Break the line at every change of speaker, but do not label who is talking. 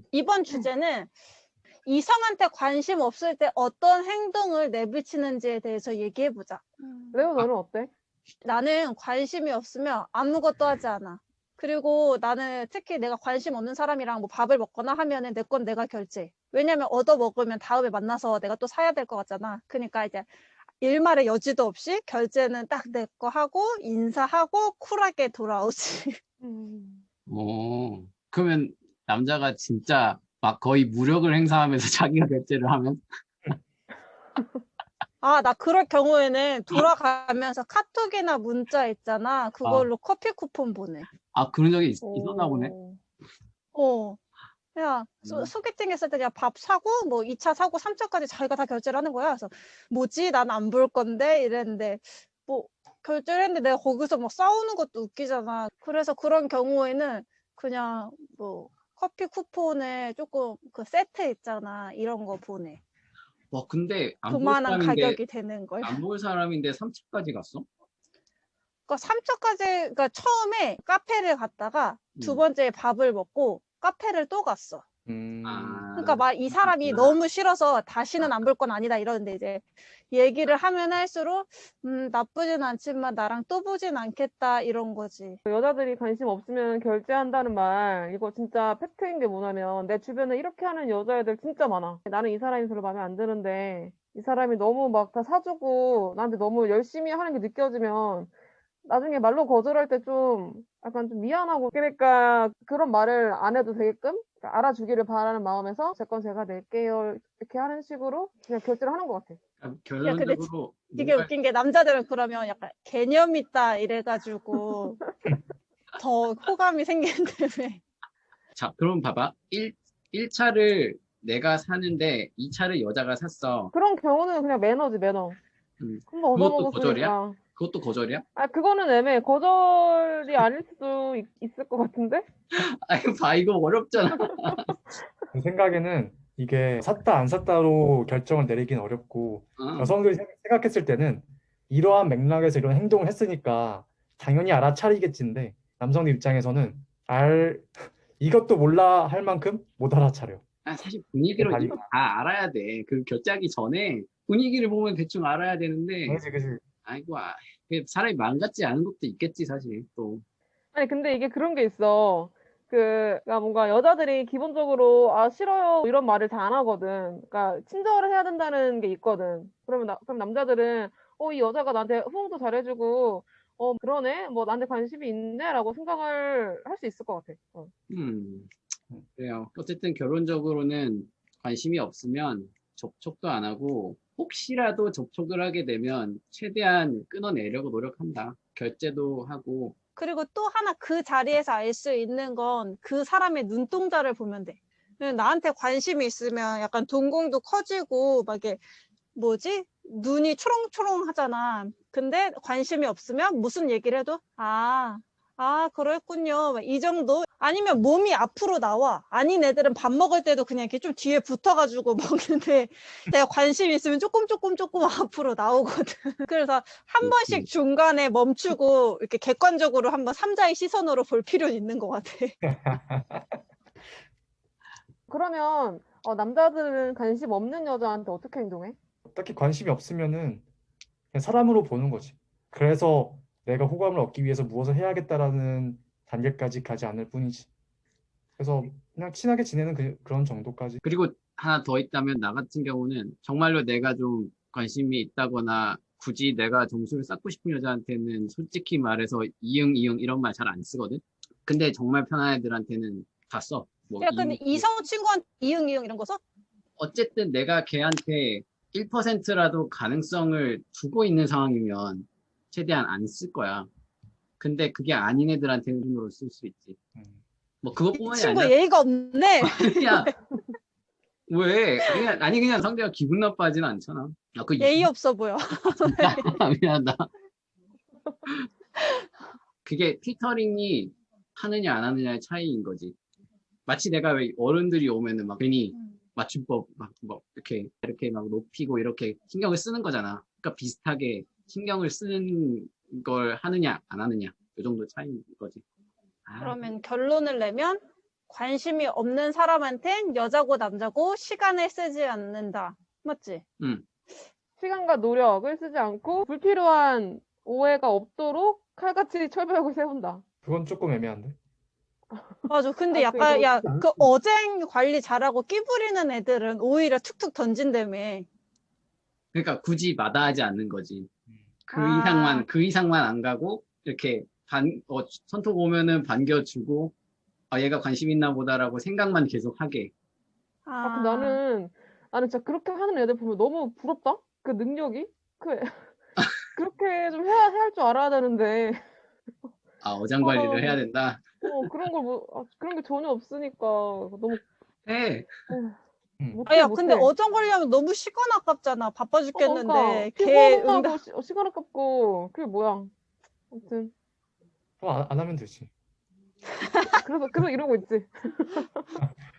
이번 주제는 이성한테 관심 없을 때 어떤 행동을 내비치는지에 대해서 얘기해보자.
레오 너는 어때?
나는 관심이 없으면 아무것도 하지 않아. 그리고 나는 특히 내가 관심 없는 사람이랑 뭐 밥을 먹거나 하면은 내 건 내가 결제해. 왜냐면 얻어 먹으면 다음에 만나서 내가 또 사야 될 것 같잖아. 그러니까 이제 일말의 여지도 없이 결제는 딱 내 거 하고 인사하고 쿨하게 돌아오지.
그러면 남자가 진짜 막 거의 무력을 행사하면서 자기가 결제를 하면?
아, 나 그럴 경우에는 돌아가면서 카톡이나 문자 있잖아. 그걸로 커피 쿠폰 보내.
그런 적이 있었나 보네.
그냥 소개팅 했을 때 그냥 밥 사고 뭐 2차 사고 3차까지 자기가 다 결제를 하는 거야. 그래서 뭐지? 난 안 볼 건데 이랬는데 뭐 결제를 했는데 내가 거기서 막 싸우는 것도 웃기잖아. 그래서 그런 경우에는 그냥 뭐 커피 쿠폰에 조금 그 세트 있잖아. 이런 거 보내.
근데
그만한 가격이 되는 걸.
안 볼 사람인데 3차까지 갔어?
그러니까 3차까지 그러니까 처음에 카페를 갔다가 두 번째에 밥을 먹고 카페를 또 갔어. 그러니까 막 이 사람이 너무 싫어서 다시는 안 볼 건 아니다 이러는데 이제 얘기를 하면 할수록 나쁘진 않지만 나랑 또 보진 않겠다 이런 거지.
여자들이 관심 없으면 결제한다는 말, 이거 진짜 팩트인 게 뭐냐면 내 주변에 이렇게 하는 여자애들 진짜 많아. 나는 이 사람이 별로 마음에 안 드는데 이 사람이 너무 막 다 사주고 나한테 너무 열심히 하는 게 느껴지면 나중에 말로 거절할 때 좀 약간 좀 미안하고, 그러니까 그런 말을 안 해도 되게끔 그러니까 알아주기를 바라는 마음에서 제 건 제가 낼게요 이렇게 하는 식으로 그냥 결제를 하는 것 같아.
야, 근데
결론적으로
되게 웃긴 게 남자들은 그러면 약간 개념 있다 이래가지고 더 호감이 생긴다며.
자, 그럼 봐봐. 1차를 내가 사는데 2차를 여자가 샀어.
그런 경우는 그냥 매너지, 매너. 한번
그것도 거절이야?
얻어먹었으니까.
그것도 거절이야?
그거는 애매해. 거절이 아닐 수도 있을 것 같은데?
이거 어렵잖아.
제 생각에는 이게 샀다 안 샀다로 결정을 내리긴 어렵고 여성들이 생각했을 때는 이러한 맥락에서 이런 행동을 했으니까 당연히 알아차리겠지인데 남성들 입장에서는 이것도 몰라 할 만큼 못 알아차려.
사실 분위기로 이거 다 알아야 돼. 그 결제하기 전에 분위기를 보면 대충 알아야 되는데.
그치.
사람이 마음 같지 않은 것도 있겠지, 사실, 또.
아니, 근데 이게 그런 게 있어. 그러니까 뭔가 여자들이 기본적으로 싫어요 이런 말을 잘 안 하거든. 그러니까 친절을 해야 된다는 게 있거든. 그럼 남자들은 이 여자가 나한테 호응도 잘해주고 그러네 뭐 나한테 관심이 있네라고 생각을 할 수 있을 것 같아.
그래요. 어쨌든 결론적으로는 관심이 없으면 접촉도 안 하고 혹시라도 접촉을 하게 되면 최대한 끊어내려고 노력한다. 결제도 하고.
그리고 또 하나 그 자리에서 알 수 있는 건 그 사람의 눈동자를 보면 돼. 나한테 관심이 있으면 약간 동공도 커지고 막 이게 뭐지? 눈이 초롱초롱 하잖아. 근데 관심이 없으면 무슨 얘기를 해도 그랬군요. 이 정도? 아니면 몸이 앞으로 나와. 아닌 애들은 밥 먹을 때도 그냥 이렇게 좀 뒤에 붙어가지고 먹는데 내가 관심이 있으면 조금 앞으로 나오거든. 그래서 한 번씩 중간에 멈추고 이렇게 객관적으로 한번 삼자의 시선으로 볼 필요는 있는 것 같아.
그러면 남자들은 관심 없는 여자한테 어떻게 행동해?
딱히 관심이 없으면은 그냥 사람으로 보는 거지. 그래서 내가 호감을 얻기 위해서 무엇을 해야겠다라는 단계까지 가지 않을 뿐이지. 그래서 그냥 친하게 지내는 그런 정도까지.
그리고 하나 더 있다면 나 같은 경우는 정말로 내가 좀 관심이 있다거나 굳이 내가 점수를 쌓고 싶은 여자한테는 솔직히 말해서 이응 이런 말 잘 안 쓰거든. 근데 정말 편한 애들한테는 다 써.
야, 근데 이성 친구한테 이응 이런 거 써?
어쨌든 내가 걔한테 1%라도 가능성을 두고 있는 상황이면 최대한 안 쓸 거야. 근데 그게 아닌 애들한테는 힘으로 쓸 수 있지. 그것뿐만이
친구
아니라.
예의가 없네.
아니야. 왜? 그냥 상대가 기분 나빠하지는 않잖아.
예의 없어 보여.
진짜 미안하다. 그게 필터링이 하느냐 안 하느냐의 차이인 거지. 마치 내가 왜 어른들이 오면은 막 괜히 맞춤법 이렇게 막 높이고 이렇게 신경을 쓰는 거잖아. 그러니까 비슷하게 신경을 쓰는 걸 하느냐 안 하느냐 이 정도 차이인 거지.
그러면 결론을 내면 관심이 없는 사람한텐 여자고 남자고 시간을 쓰지 않는다. 맞지?
시간과 노력을 쓰지 않고 불필요한 오해가 없도록 칼같이 철벽을 세운다.
그건 조금 애매한데.
맞아. 근데
아,
약간,
그래도
야, 그 어쟁 관리 잘하고 끼 부리는 애들은 오히려 툭툭 던진다며.
그러니까 굳이 마다하지 않는 거지. 그
아.
이상만 안 가고, 이렇게 손톱 오면은 반겨주고, 아, 얘가 관심 있나 보다라고 생각만 계속 하게.
아, 근데 나는 진짜 그렇게 하는 애들 보면 너무 부럽다? 그 능력이? 그렇게 좀 해야 할 줄 알아야 되는데.
아, 어장
아,
관리를 해야 된다.
그런 게 전혀 없으니까 너무
해.
못해,
야, 근데
못해.
어정 관리하면 너무 시간 아깝잖아. 바빠
그러니까
죽겠는데. 걔 응답.
피곤하고 시간 아깝고 그게 뭐야. 아무튼
그럼 안 하면 되지.
그래서 이러고 있지.